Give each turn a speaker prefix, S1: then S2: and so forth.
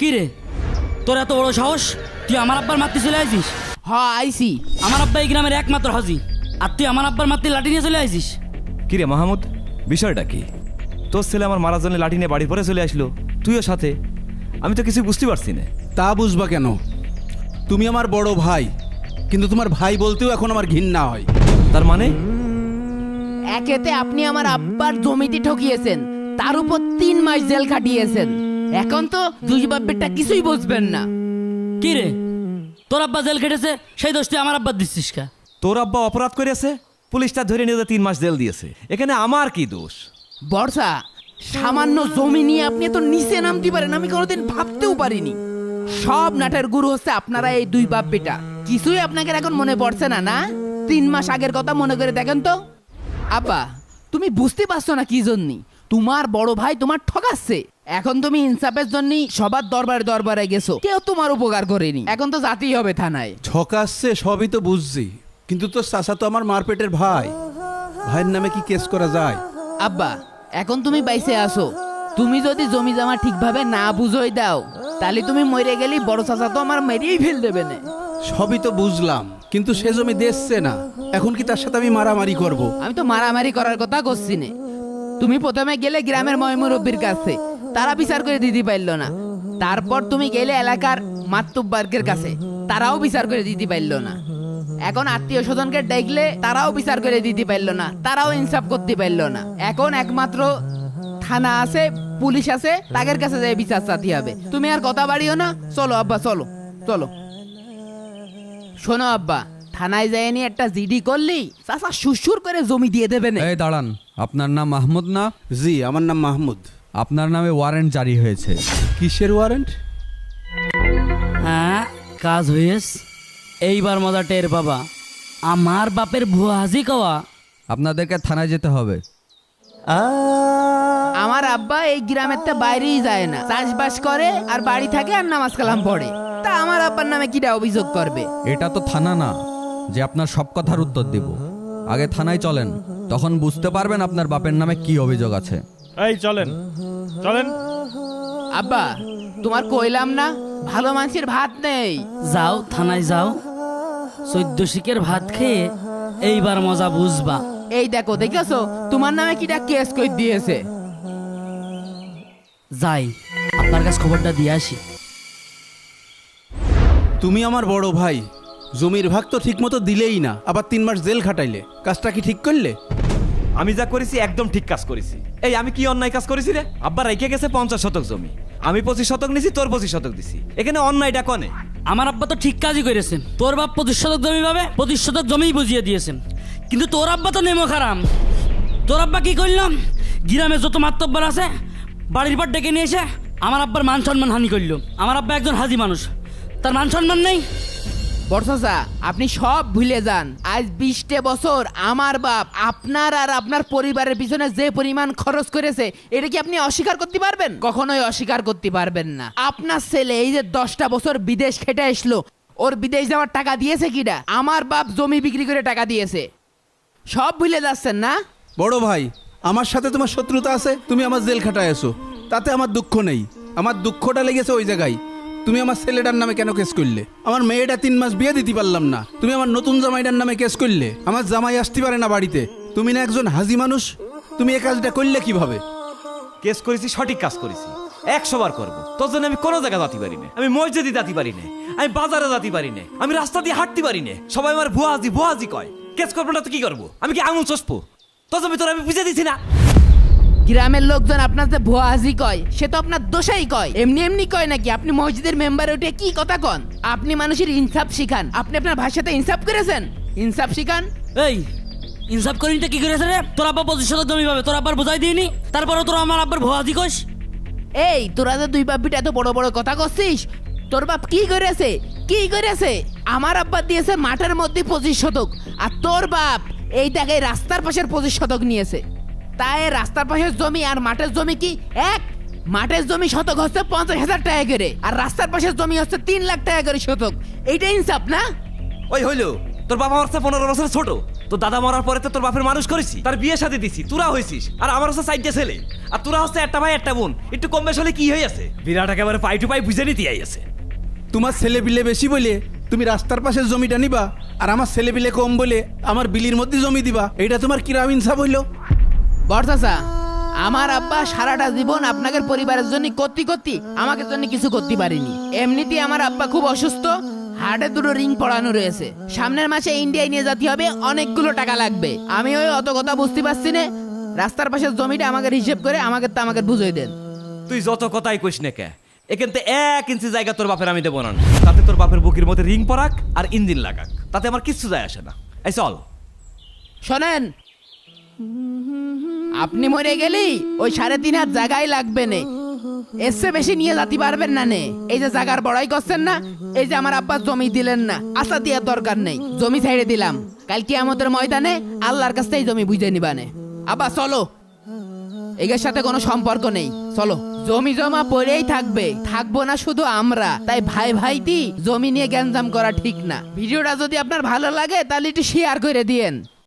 S1: কি রে, তোর এত বড় সাহস, তুই আমার আব্বার মারতে চলে আইছিস?
S2: হ্যাঁ আইসি।
S1: আমার আব্বা এই গ্রামের একমাত্র হাজি, আর তুই আমার আব্বার মারতে লাঠি নিয়ে চলে আইছিস?
S3: কি রে মাহমুদ, বিষয়টা কি? তোর ছেলে আমার মারার জন্য লাঠি নিয়ে বাড়ি পরে চলে আসলো, তুইও সাথে। আমি তো কিছু বুঝতে পারছি না।
S4: তা বুঝবা কেন? তুমি আমার বড় ভাই, কিন্তু তোমার ভাই বলতেও এখন আমার ঘৃণা হয়।
S3: তার মানে?
S2: একেতে আপনি আমার আব্বার জমিতে ঠকিয়েছেন, তার উপর 3 মাস জেল খাটিয়েছেন। এখন তো দুই বাপেরটা কিছুই বুঝবেন না।
S1: কি রে, তোর আব্বা জেল খেটেছে, সেই দোষ তুই আমার আব্বার দিচ্ছিস কা?
S3: তোর আব্বা অপরাধ করেছে, পুলিশটা ধরে নিয়ে 3 মাস জেল দিয়েছে, এখানে আমার কি দোষ?
S2: বর্ষা, সামান্য জমি নিয়ে আপনি এত নিচে নামতে পারেন আমি কোনোদিন ভাবতেও পারিনি। সব নাটের গুরু হচ্ছে আপনারা এই দুই বাপ বেটা। কিছুই আপনাকে এখন মনে পড়ছে না? না 3 মাস আগের কথা মনে করে দেখেন তো। আব্বা, তুমি বুঝতে পারছো না কি জন্যই তোমার বড় ভাই তোমার ঠকাচ্ছে। এখন তুমি ইনসাফের জন্য সবার দরবারে দরবারে গেছো, কেউ তোমার উপকার করেনি। এখন তো যেতেই হবে থানায়।
S4: ঠকাচ্ছে সবই তো বুঝছি, কিন্তু তোর চাচা তো আমার মারপেটের ভাই, ভাইয়ের নামে কি কেস করা যায়?
S2: আব্বা, এখন তুমি বাইসে আসো। তুমি যদি জমি জমা ঠিকভাবে না বুঝোই দাও, তাহলে তুমি মরে গেলি বড় চাচা তো আমার মেরেই ফেল দেবে না।
S4: সবই তো বুঝলাম, কিন্তু সে জমি দেখছে না, এখন কি তার সাথে আমি মারামারি করব?
S2: আমি তো মারামারি করার কথা করছি না। তুমি প্রথমে গেলে গ্রামের ময়মুরব্বির কাছে, তারা বিচার করে দিতে পারলো না। তারপর তুমি গেলে এলাকার মাতুব্বার্গের কাছে, তারাও বিচার করে দিতে পারলো না। এখন আত্মীয় স্বজনকে দেখলে তারাও বিচার করে দিতে পারলো না, তারাও ইনসাফ করতে পারলো না। এখন একমাত্র থানা আছে, পুলিশ আছে, তাদের কাছে যাই বিচার চাতে হবে। তুমি আর কথা বাড়িও না, চলো আব্বা, চলো চলো। শোনো আব্বা, থানায় যাই নিয়ে একটা জিডি করলি চাচা সুসুর করে জমি দিয়ে দেবে না।
S5: এই দাঁড়ান, আপনার নাম মাহমুদ না?
S4: জি, আমার নাম মাহমুদ।
S5: আপনার নামে ওয়ারেন্ট জারি হয়েছে।
S4: কিসের ওয়ারেন্ট?
S1: হ্যাঁ, কাজ হয়েস। এইবার মজা টের বাবা, আমার বাপের ভুয়া হাজি কওয়া।
S5: আপনাদেরকে থানায় যেতে হবে।
S2: আমার আব্বা এই গ্রামের তো বাইরেই যায় না, চাষবাস করে আর বাড়ি থাকে আর নামাজ কালাম পড়ে। তা আমার আব্বার নামে কিটা অভিযোগ করবে?
S5: এটা তো থানা না যে আপনার সব কথার উত্তর দিব। আগে থানায় চলেন, তখন বুঝতে পারবেন আপনার বাপের নামে কি অভিযোগ আছে।
S6: এই চলেন চলেন।
S2: আব্বা, তোমার কইলাম না ভালো মানুষের ভাত নেই।
S1: যাও থানায় যাও, 14 শিকের ভাত খেয়ে এইবার মজা বুঝবা।
S2: এই দেখো, দেখেছো তোমার নামে কিটা কেস কই দিয়েছে।
S1: যাই আপনার কাছে খবরটা দিয়ে আসি।
S4: তুমি আমার বড় ভাই, জমির ভাগ তো ঠিক মতো দিলেই না, আবার 3 মাস জেল খাটাইলে। কাজটা কি ঠিক করলে?
S3: আমি যা করেছি একদম ঠিক কাজ করেছি। এই আমি কি অন্যায় কাজ করেছি রে? আব্বা রেখে গেছে 50 শতক জমি, আমি 25 শতক নিছি, তোর 25 শতক দিছি, এখানে অন্যায়টা কনে?
S1: আমার আব্বা তো ঠিক কাজই করেছেন। তোর বাপ 25 শতক জমি পাবে, 25 শতক জমিই বুঝিয়ে দিয়েছেন। কিন্তু তোর আব্বা তো নেমো খারাম। তোর আব্বা কি করলাম, গ্রামে যত মাতব্বর আছে বাড়ির পর ডেকে নিয়ে এসে আমার আব্বার মান সম্মান হানি করলো। আমার আব্বা একজন হাজি মানুষ, তার মান সম্মান নেই।
S2: বর্ষা, আপনি সব ভুলে যান। আজ 20 বছর আমার বাপ আপনার আর আপনার পরিবারের পিছনে যে পরিমাণ খরচ করেছে, এটা কি আপনি অস্বীকার করতে পারবেন? কখনোই অস্বীকার করতে পারবেন না। আপনার ছেলে এই যে 10টা বছর বিদেশ খেটে আসলো, ওর বিদেশ যাওয়ার টাকা দিয়েছে কিনা? আমার বাপ জমি বিক্রি করে টাকা দিয়েছে। সব ভুলে যাচ্ছেন না?
S4: বড় ভাই, আমার সাথে তোমার শত্রুতা আছে, তুমি আমার জেল খাটায় আছো, তাতে আমার দুঃখ নেই। আমার দুঃখটা লেগেছে ওই জায়গায়, তুমি আমার ছেলেটার নামে কেন কেস করলে? আমার মেয়েটা 3 মাস বিয়ে দিতে পারলাম না, তুমি আমার নতুন জামাইটার নামে কেস করলে। আমার জামাই আসতে পারে না বাড়িতে, তুমি না একজন হাজি মানুষ, তুমি এই কাজটা করলে কিভাবে?
S3: কেস করেছি, সঠিক কাজ করেছি, 100 বার করবো। তোর জন্য আমি কোনো জায়গা যেতে পারি না, আমি মসজিদে যেতে পারি না, আমি বাজারে যেতে পারি না, আমি রাস্তা দিয়ে হাঁটতে পারি না। সবাই আমার ভুয়া হাজি কয়। কেস করবো না তো কি করবো? আমি কি আঙুল চষবো? তোর জমি তোর আমি বুঝে দিছি না।
S2: গ্রামের লোকজন আপনার যে ভুয়া হাজি কয়, সে তো আপনার দোষাই কয়। এমনি এমনি কয় নাকি? আপনি মসজিদের মেম্বারে উঠে কি কথা কন? আপনি মানুষের ইনসাফ শিখান। আপনি আপনার ভাইয়ের সাথে ইনসাফ করেছেন? ইনসাফ শিখান।
S1: এই ইনসাফ করিনিটা কি করেছে রে? তোর আব্বা 25 শতক জমি পাবে, তোর আব্বার বোঝাই দিইনি, তারপরে তোর আমার আব্বার ভুয়া হাজি কইস।
S2: এই তোরা যে দুই বাপ বিটা এত বড় বড় কথা করছিস, তোর বাপ কি করেছে? কি করেছে? আমার আব্বা দিয়েছে মাঠের মধ্যে 25 শতক, আর তোর বাপ এই টাকায় রাস্তার পাশের 25 শতক নিয়েছে। তাই রাস্তার পাশের জমি আর মাঠের জমি কি এক? মাঠের জমি শতক হচ্ছে 50,000 টাকা করে, আর রাস্তার পাশের জমি হচ্ছে 3 লাখ টাকা করে শতক। এইটা ইনসাফ না?
S3: ওই হইলো, তোর বাবা আমার 15 বছর ছোট, তো দাদা মরার পরে তো তোর বাপের মানুষ করেছি, তার বিয়ে সাথে দিছি, তোরা হয়েছিস, আর আমার হচ্ছে 4টে ছেলে, আর তোরা হচ্ছে একটা ভাই একটা বোন, একটু কম বেশ হলে কি হয়ে আছে? বিরাট একেবারে পাই টু পাই বুঝে নিতে আছে।
S4: তোমার ছেলে বিলে বেশি বলে তুমি রাস্তার পাশে জমিটা নিবা, আর আমার ছেলে বিলে কম বলে আমার বিলির মধ্যে জমি দিবা, এটা তোমার কিরাম ইনসাফ হইলো?
S2: বড় চাচা, আমার আব্বা সারাটা জীবন আপনাদের পরিবারের জন্য করতে করতে আমাকে জন্য কিছু করতে পারিনি। এমনিতেই আমার আব্বা খুব অসুস্থ, হার্টে 2টো রিং পড়ানো রয়েছে, সামনের মাসে ইন্ডিয়ায় নিয়ে যেতে হবে, অনেকগুলো টাকা লাগবে। আমি ওই অত কথা বুঝতে পারছি না, রাস্তার পাশে জমিটা আমাকে হিসেব করে আমাকে বুঝিয়ে দেন।
S3: তুই যত কথাই কইস না কে, এখান থেকে 1 ইঞ্চি জায়গা তোর বাপের আমি দেবো না, তাতে তোর বাপের বুকের মধ্যে রিং পরাক আর ইঞ্জিন লাগাক, তাতে আমার কিচ্ছু যায় আসে না। এই চল।
S2: শোনেন, আপনি মরে গেলেই ওই 3.5 হাত জায়গায় লাগবে নে, এর চেয়ে বেশি নিয়ে যেতে পারবেন না নে। এই যে জায়গার বড়াই করছেন না, এই যে আমার আব্বা জমি দিলেন না, আশা দেওয়ার দরকার নেই, জমি ছেড়ে দিলাম, কালকে আমাদের ময়দানে আল্লাহর কাছ থেকে জমি বুঝে নিবানে। আব্বা চলো, এর সাথে কোনো সম্পর্ক নেই, চলো। জমি জমা পড়েই থাকবে, থাকবো না শুধু আমরা, তাই ভাই ভাইটি জমি নিয়ে গ্যাঞ্জাম করা ঠিক না। ভিডিওটা যদি আপনার ভালো লাগে তাহলে একটু শেয়ার করে দিয়েন।